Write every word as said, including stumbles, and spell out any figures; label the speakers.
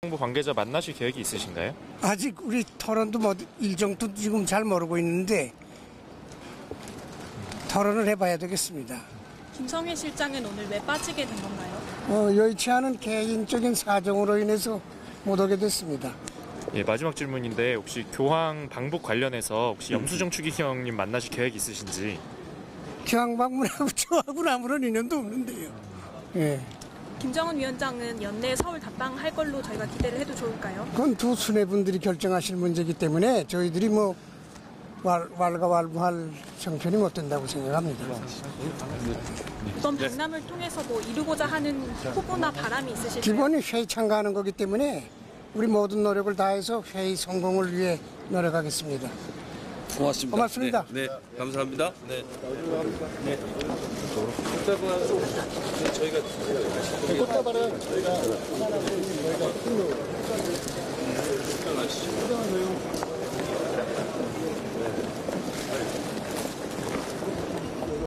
Speaker 1: 정부 관계자 만나실 계획이 있으신가요?
Speaker 2: 아직 우리 토론도 뭐 일정도 지금 잘 모르고 있는데 토론을 해봐야 되겠습니다.
Speaker 3: 김성회 실장은 오늘 왜 빠지게 된 건가요?
Speaker 2: 어, 여의치 않은 개인적인 사정으로 인해서 못 오게 됐습니다.
Speaker 1: 예, 마지막 질문인데 혹시 교황 방북 관련해서 혹시 염수정 추기경님 만나실 계획 있으신지?
Speaker 2: 교황 방문하고 저하고는 아무런 인연도 없는데요. 예.
Speaker 3: 김정은 위원장은 연내 서울 답방할 걸로 저희가 기대를 해도 좋을까요?
Speaker 2: 그건 두 수뇌분들이 결정하실 문제이기 때문에 저희들이 뭐 왈, 왈가왈부할 형편이 못 된다고 생각합니다.
Speaker 3: 이번 박람을 통해서 뭐 이루고자 하는 포부나 바람이 있으실까요?
Speaker 2: 기본이 회의 참가하는 거기 때문에 우리 모든 노력을 다해서 회의 성공을 위해 노력하겠습니다.
Speaker 4: 고맙습니다.
Speaker 2: 고맙습니다.
Speaker 4: 네, 네 감사합니다. 네. 네.
Speaker 2: 저희가 꽃다발은 저희가 하나 저희가